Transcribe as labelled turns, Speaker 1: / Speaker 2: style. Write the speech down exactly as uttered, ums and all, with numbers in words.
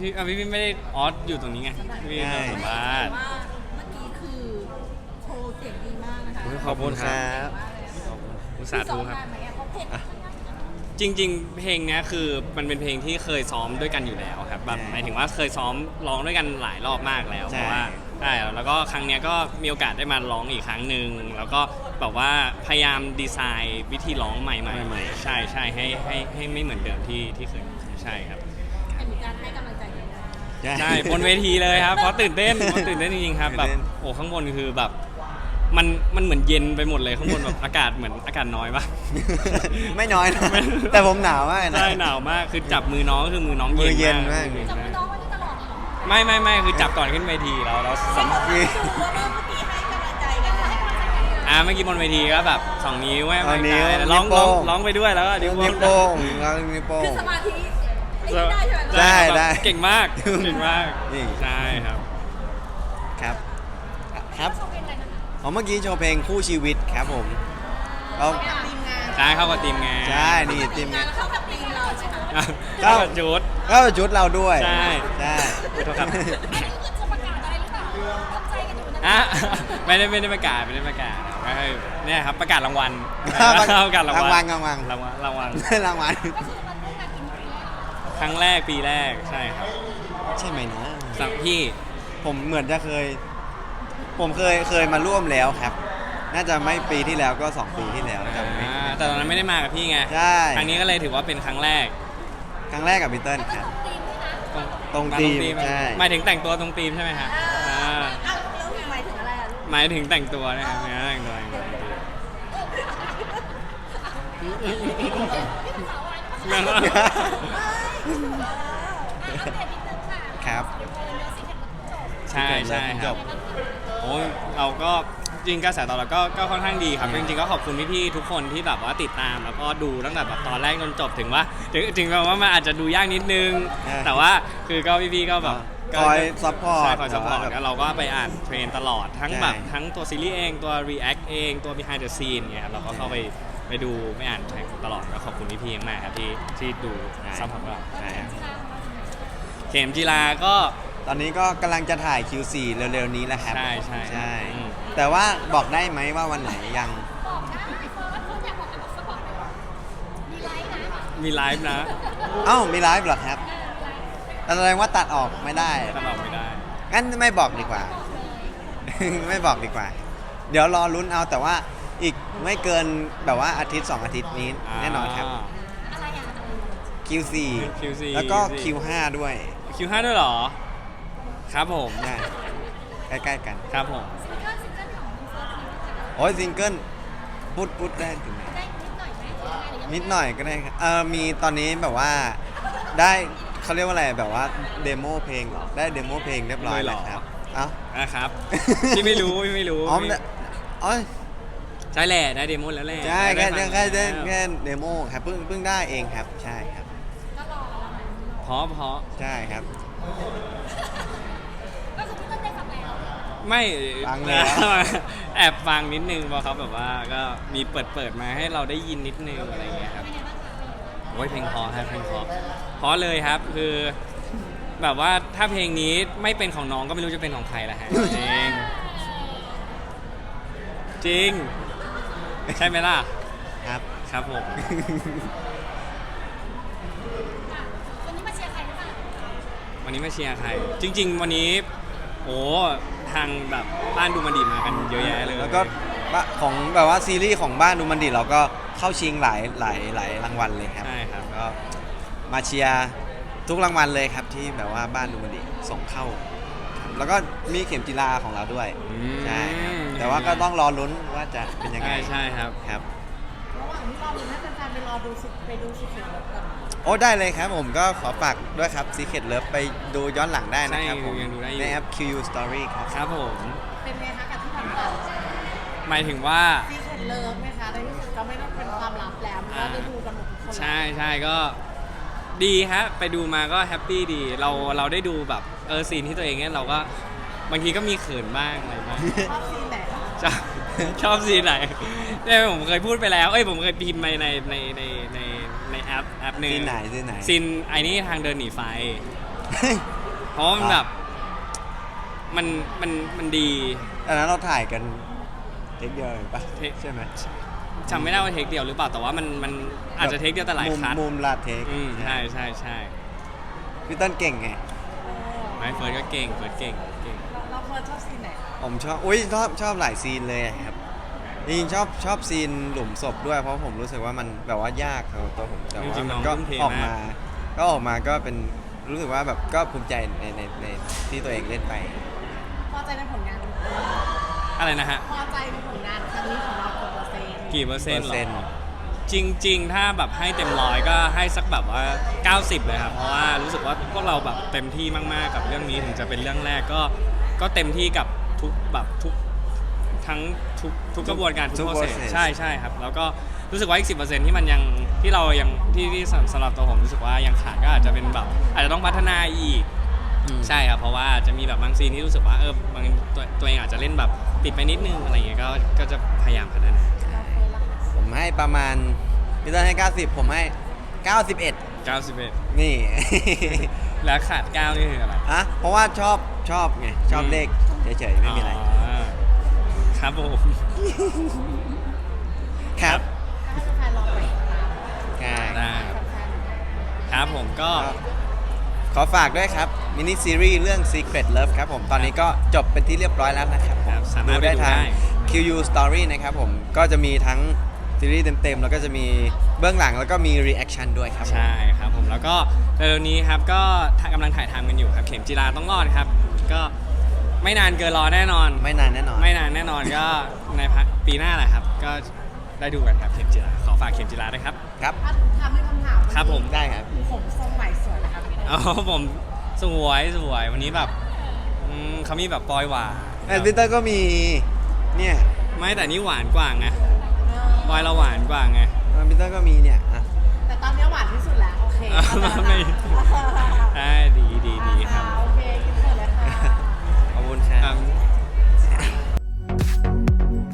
Speaker 1: พี่อ่ะพี่พี่ไม่ได้ออสอยู่ตรงนี้ไงพี่เราสัมภาษณ์
Speaker 2: ว่าเมื่อกี้คือโชว์เสียงดีมากนะคะ
Speaker 1: ขอบคุณครับ อุตส่าห์ดูครับ จริงๆ เพลงเนี้ยคือมันเป็นเพลงที่เคยซ้อมด้วยกันอยู่แล้วครับแบบหมายถึงว่าเคยซ้อมร้องด้วยกันหลายรอบมากแล้วเพราะว่าใช่แล้วก็ครั้งเนี้ยก็มีโอกาสได้มาร้องอีกครั้งหนึ่งแล้วก็แบบว่าพยายามดีไซน์วิธีร้องใหม่ๆใช่ใช่ให้ให้ให้ไม่เหมือนเดิมที่ที่เคยใช่ครับ
Speaker 2: มีการให้กำลังใจกันนะ
Speaker 1: ใช่บนเวทีเลยครับเพราะตื่นเต้นเพราะตื่นเต้นจริงๆครับแบบโอ้ข้างบนคือแบบมันมันเหมือนเย็นไปหมดเลยข้างบนแบบอากาศเหมือนอากาศน้อยปะ
Speaker 3: ไม่น้อยนะแต่ผมหนาวมากนะ
Speaker 1: ใช่หนาวมากคือจับมือน้องก็คือมือน้อง
Speaker 3: มือเย็
Speaker 1: เย็
Speaker 3: น
Speaker 1: น
Speaker 3: มาม
Speaker 1: าก ก
Speaker 2: จับมือน้องไว้ตลอดเลยเหรอ
Speaker 1: ไม่ไม่ไม่คือจับก่อนขึ้นเวทีแล้วเราสัม
Speaker 2: คือว่าเมื่อกี้ให้กำลังใจกันให้กำลังใจกัน
Speaker 1: อ่าเมื่อกี้บนเวทีก็แบบสองนิ้วแม่
Speaker 3: สองนิ้ว
Speaker 1: ร้อง
Speaker 3: นิ้วโป้
Speaker 1: ร้อง
Speaker 3: ง
Speaker 1: ร้องไปด้วยแล้วก็นิ้ว
Speaker 3: นิ้ว
Speaker 1: โป้
Speaker 3: โป้
Speaker 1: ง
Speaker 3: งเรานิ้วโป้
Speaker 2: คื
Speaker 3: ง
Speaker 2: อสมาธิไอ้นี่ได้ใช่ไหม
Speaker 3: ได้
Speaker 1: แบบ
Speaker 3: ได้
Speaker 1: เก่งมากเก่งมาก
Speaker 3: นี่
Speaker 1: ใช่ครับ
Speaker 3: ครับครับอ๋อเมื่อกี้โชว์เพลงคู่ชีวิตครับผมเรา
Speaker 2: ทีมงาน
Speaker 1: ใช่เข้ากับทีมงาน
Speaker 3: ใช่นี่ทีม
Speaker 2: งาง
Speaker 3: าน น
Speaker 2: เข้ากับทีมเราใช่ไหม
Speaker 1: เข้ากับจุด
Speaker 3: ก็ชุดเราด้วย
Speaker 1: ใช่
Speaker 3: ใช่
Speaker 1: ขอโทษครับ
Speaker 2: อันนี้คือจะประกาศอะไรหรือเปล่าทำใจกันอยู่นะ
Speaker 1: อ่ะไม่ได้ไม่ได้ประกาศไม่ได้ประกาศก็คือเนี่ยครับประกาศรางวัล ประกาศราง
Speaker 3: ราง
Speaker 1: วั
Speaker 3: วั
Speaker 1: ล
Speaker 3: ลรางวัล
Speaker 1: รางวัลรางวัล
Speaker 3: รางวัล
Speaker 2: ก็คือมันเพิ่งมากินปีแรก
Speaker 1: ครั้งแรกปีแรกใช่ครับ
Speaker 3: ใช่ไหมนะ
Speaker 1: สังพี่
Speaker 3: ผมเหมือนจะเคย ผมเคยเคยมาร่วมแล้วครับ น่าจะไม่ปีที่แล้วก็สองปีที่แล้วจำไม่
Speaker 1: อ่าแต่ตอนนั้นไม่ได้มากับพี่ไง
Speaker 3: ใช่
Speaker 1: ครั้งนี้ก็เลยถือว่าเป็นครั้งแรก
Speaker 3: ครั้งแรกกับพีเติ้ลครับ
Speaker 2: ตรงทีมด้วยนะ
Speaker 3: ตรงธีมใช่
Speaker 1: หมายถึงแต่งตัวตรงธีมใช่ไหมครับอ่า
Speaker 2: อ้าวแล้วหมายถึงอะไรอ่ะลูก
Speaker 1: หมายถึงแต่งตัวนะครับเนี่ยแต่งตัวแต่งตัวแต่งตัว
Speaker 3: ครับ
Speaker 1: ใช่ใช่ครับ โอ้ยเราก็จริงกระแสตอบรับก็ก็ค่อนข้างดีครับจริงๆก็ขอบคุณพี่ๆทุกคนที่แบบว่าติดตามแล้วก็ดูตั้งแต่แบบตอนแรกจนจบถึงว่าถึงถึงแม้ว่ามันอาจจะดูยากนิดนึง
Speaker 3: ใช่
Speaker 1: แต่ว่าคือก็พี่ๆก็แบบ
Speaker 3: คอยซัพพอร์ต
Speaker 1: ใช่คอยซัพพอร์ต
Speaker 3: แบบ
Speaker 1: แล้วเราก็ไปอ่านเทรนตลอดทั้ง
Speaker 3: ใช่
Speaker 1: แบบทั้งตัวซีรีส์เองตัว react เองตัว behind the scene เนี่ยครับเราก็เข้าไปไปดูไม่อ่านเทรนตลอดก็ขอบคุณพี่ๆมากๆครับที่ที่ดูซัพพอร์ตเรา
Speaker 3: ใช่ครับ
Speaker 1: เข็มจีราก็
Speaker 3: ตอนนี้ก็กำลังจะถ่าย คิว โฟร์ เร็วๆนี้แล้วครับ
Speaker 1: ใช่ใช่
Speaker 3: ใช่
Speaker 1: อืม
Speaker 3: แต่ว่าบอกได้ไหมว่าวันไหนยัง
Speaker 2: บอกได้เพราะว่าคุณอยากบอกอะไรบอกก็บอกเลยมีไลฟ์นะ
Speaker 1: มีไลฟ์นะ
Speaker 3: เอ้ามีไลฟ์เหรอครับแสดงว่าตัดออกไม่ได้
Speaker 1: ตลอดไม่ได้
Speaker 3: งั้นไม่บอกดีกว่า ไม่บอกดีกว่า เดี๋ยวรอลุ้นเอาแต่ว่าอีกไม่เกินแบบว่าอาทิตย์สองอาทิตย์นี้แน่นอนครับ
Speaker 2: อะไรอ่ะ
Speaker 3: คิว โฟร์
Speaker 1: คิว โฟร์
Speaker 3: แล้วก็
Speaker 1: คิว โฟร์
Speaker 3: คิว ไฟว์ ด้วย
Speaker 1: คิวห้าด้วยเหรอ ครับผม
Speaker 3: ได้ใกล้ๆกัน
Speaker 1: ครับผม
Speaker 2: ซิงเกิลซิงเกิลของคุณเฟิร์สมีไหมคะ
Speaker 3: โอ้ยซิงเกิลพูดพูดได้ถึงไหน
Speaker 2: ได้นิดหน่อยไหมหรือยังไงหรือยัง
Speaker 3: นิดหน่อยก็ได้ครับเออมีตอนนี้แบบว่าได้เขาเรียกว่าอะไรแบบว่าเดโมเพลงเหรอได้เดโมเพลงเรียบร้อยแล้วครับเอ้า
Speaker 1: นะครับ พี่ไม่รู้พี่ไม่รู้
Speaker 3: อ๋อมันอ๋อ
Speaker 1: ใช่แหละได้เดโมแล้วแหละ
Speaker 3: ใช่แค่
Speaker 1: ได้ฟัง
Speaker 3: แค่ได้
Speaker 1: ล้ว
Speaker 3: แค่เดโมครับเพิ่งเพิ่งได้เองครับใช่ครับ
Speaker 2: ก็รอแล้วนะ
Speaker 1: เพราะเพราะ
Speaker 3: ใช่ครับ
Speaker 2: ก็คือพี่ต้นได้ฟังแล้ว
Speaker 1: ไม่
Speaker 3: ฟังแล้ว
Speaker 1: แอบฟังนิดนึงเพราะเขาแบบว่าก็มีเปิดเปิดมาให้เราได้ยินนิดนึงอะไรอย่างเงี้ยครับ
Speaker 2: เป็นไงบ้างคะ
Speaker 1: โอ้ยเพลงเพอครับเพลงเพอเพราะเลยครับคือแบบว่าถ้าเพลงนี้ไม่เป็นของน้องก็ไม่รู้จะเป็นของใครละฮะจริงจริงใช่ไหมล่ะ
Speaker 3: ครับ
Speaker 1: ครับผม
Speaker 2: อ่ะวันนี้มาเชียร์ใครหรือเปล่า
Speaker 1: วันนี้มาเชียร์ใคร จริง ๆ วันนี้โอ้ทางแบบบ้านดูมันดีมากันเยอะแยะเลย
Speaker 3: แล้วก็บะของแบบว่าซีรีส์ของบ้านดูมันดีเราก็เข้าชิงหลายหลายหลายรางวัลเลยครับ
Speaker 1: ใช่ครับ
Speaker 3: ก็มาเชียร์ทุกรางวัลเลยครับที่แบบว่าบ้านดูมันดีส่งเข้าครับแล้วก็มีเข็มจีราของเราด้วย
Speaker 1: อืม
Speaker 3: ใช่ครับแต่ว่าก็ต้องรอลุ้นว่าจะเป็นยังไง
Speaker 1: ใช่ใช่ครับ
Speaker 3: ครับ
Speaker 2: ระหว่างที่รอดูให้แฟนๆไปรอดูสิไปดูสิเขียวแบบก่อน
Speaker 3: โอ้ได้เลยครับผมก็ขอฝากด้วยครับ Secret Love ไปดูย้อนหลังได้นะครับ
Speaker 1: ใช่
Speaker 3: ผม
Speaker 1: ยังดูได้อยู่
Speaker 3: ในแอป คิว ยู Story ครับ
Speaker 1: ครับผม
Speaker 2: เป็นไงคะกับที่ผ่านมา
Speaker 1: หมายถึงว่า
Speaker 2: ซีเค็ดเลิฟไหมคะในที่สุดก็ไม่ต้องเป็นความลับแล้วก็ได้ดูกันหมดทุกคน
Speaker 1: ใช่ใช่ก็ดีฮะไปดูมาก็แฮปปี้ดีเราเราได้ดูแบบเออซีนที่ตัวเองเนี่ยเราก็บางทีก็มีเขินบ้างอะไรบ้าง
Speaker 2: ชอบซีนไหนคะ
Speaker 1: ชอบชอบซีนไหนเนี่ยผมเคยพูดไปแล้วเอ้ยผมเคยพิมพ์ไปในในในในในแอปแอปหนึ่ง
Speaker 3: ซีนไหนซีนไหน
Speaker 1: ซีนไอ้นี่ทางเดินหนีไฟเพราะว่ามันแบบมันมันมันดี
Speaker 3: อันนั้นเราถ่ายกันเทคเดียวเลยปะ
Speaker 1: เทค
Speaker 3: ใช่ไหม
Speaker 1: จำไม่ได้ว่าเทคเดียวหรือเปล่าแต่ว่ามันมันอาจจะเทคเดียวแต่หลาย
Speaker 3: มุม
Speaker 1: คัท
Speaker 3: มุมลาดเทค
Speaker 1: อืมใช่ใช่ใช่
Speaker 3: พี่ต้นเก่งไง
Speaker 1: ไม่เฟิร์สก็เก่งเฟิร์สเก่งเก่ง
Speaker 2: เราเราเฟิร์สชอบซีนไหนคะ
Speaker 3: ผมชอบอุ้ยชอบชอบหลายซีนเลยครับจริงๆชอบชอบซีนหลุมศพด้วยเพราะผมรู้สึกว่ามันแบบว่ายากสำหรับตัวผมแต่
Speaker 1: จ
Speaker 3: ว่า
Speaker 1: ริงๆ
Speaker 3: มั
Speaker 1: น้อน ง
Speaker 3: ก็
Speaker 1: ทุ่มเท
Speaker 3: ออก
Speaker 1: มาม
Speaker 3: าก ก็ออกมาก็เป็นรู้สึกว่าแบบก็ภูมิใจในในในที่ตัวเองเล่นไป
Speaker 2: พอใจในผลงาน
Speaker 1: อะไรนะฮะ
Speaker 2: พอใจในผลงานครั้งนี้ของเรากี่เปอร์เซ็นต์
Speaker 1: กี่เปอร์เซ็นต์หร
Speaker 3: เปอร์เซ็นต์
Speaker 1: อจริง ๆ ถ้าแบบให้เต็มร้อยก็ให้สักแบบว่าเก้าสิบเลยครับเพราะว่ารู้สึกว่าพวกเราแบบเต็มที่มากๆกับเรื่องนี้ถึงจะเป็นเรื่องแรกก็ก็เต็มที่กับทุกแบบทุกทั้งทุกทุกกระบวนการทุ
Speaker 3: ทุ
Speaker 1: ก
Speaker 3: ก
Speaker 1: โปรเซส
Speaker 3: process
Speaker 1: ใช่ใช่ครับแล้วก็รู้สึกว่าอีกสิบเปอร์เซ็นต์ที่มันยังที่เรายังที่ที่สำหรับตัวผมรู้สึกว่ายังขาดก็อาจจะเป็นแบบอาจจะต้องพัฒนาอีก
Speaker 3: อืม
Speaker 1: ใช่ครับเพราะว่าจะมีแบบบางซีนที่รู้สึกว่าเออบางตัวตัวเองอาจจะเล่นแบบติดไปนิดนึงอะไรเงี้ยก็ก็จะพยายามพัฒนา
Speaker 2: เราเฟิร์สละคะ
Speaker 3: ผมให้ประมาณพี่ต้นให้ เก้าสิบ ผมให้ เก้าสิบเอ็ด
Speaker 1: เก้าสิบเอ็ด
Speaker 3: นี่
Speaker 1: แล้วขาดเก้านี่คืออะไร
Speaker 3: อะเพราะว่าชอบชอบไงชอบ
Speaker 1: อืม
Speaker 3: เลขเฉยๆไม่มีอะไร
Speaker 1: อ๋อครับผม
Speaker 3: ครับ
Speaker 2: ให้แฟนๆลองไปติดตาม
Speaker 3: ใช่
Speaker 1: ได้
Speaker 2: แฟนๆ
Speaker 1: ครับผมก็
Speaker 3: ก็ขอฝากด้วยครับมินิซีรีส์เรื่อง Secret Love ครับผมตอนนี้ก็จบเป็นที่เรียบร้อยแล้วนะครับผม
Speaker 1: ครับสามารถ
Speaker 3: ดูได้
Speaker 1: ไปดู
Speaker 3: ทาง
Speaker 1: ได้
Speaker 3: คิว ยู Story นะครับผมก็จะมีทั้งซีรีส์เต็มๆแล้วก็จะมีเบื้องหลังแล้วก็มีรีแอคชั่นด้วยครับผม
Speaker 1: ใช่ครับผมแล้วก็เร็วๆนี้ครับก็กำลังถ่ายทำกันอยู่ครับเข็มจีราต้องรอดครับ ก็ไม่นานเกินรอแน่นอน
Speaker 3: ไม่นานแน่นอน
Speaker 1: ไม่นานแน่นอนก็ในพักปีหน้าแหละครับ ก็ได้ดูกันครับเข็มจีราขอฝากเข็มจีราด้วยครับ
Speaker 3: ครับ
Speaker 2: ถ้าทำให้คำถามวันนี้
Speaker 1: ครับผม
Speaker 3: ได้ครับ
Speaker 2: ผมทรงใหม่สวยนะครับพี่
Speaker 1: อ๋อผมสวยสวยวันนี้แบบอืมเขามีแบบปลอยหวาน
Speaker 3: แอดวิเตอร์ก็มีเนี่ย
Speaker 1: ไม่แต่นี่หวานกว่าไงปลอยเราหวานกว่าไง
Speaker 3: แอดวิเตอร์ก็มีเนี่ยอ่ะ
Speaker 2: แต่ตอนนี้หวานที่สุดแล้ว โอเค
Speaker 1: อ่ะ
Speaker 2: เข้าใจ
Speaker 1: ไม่
Speaker 2: แล้ว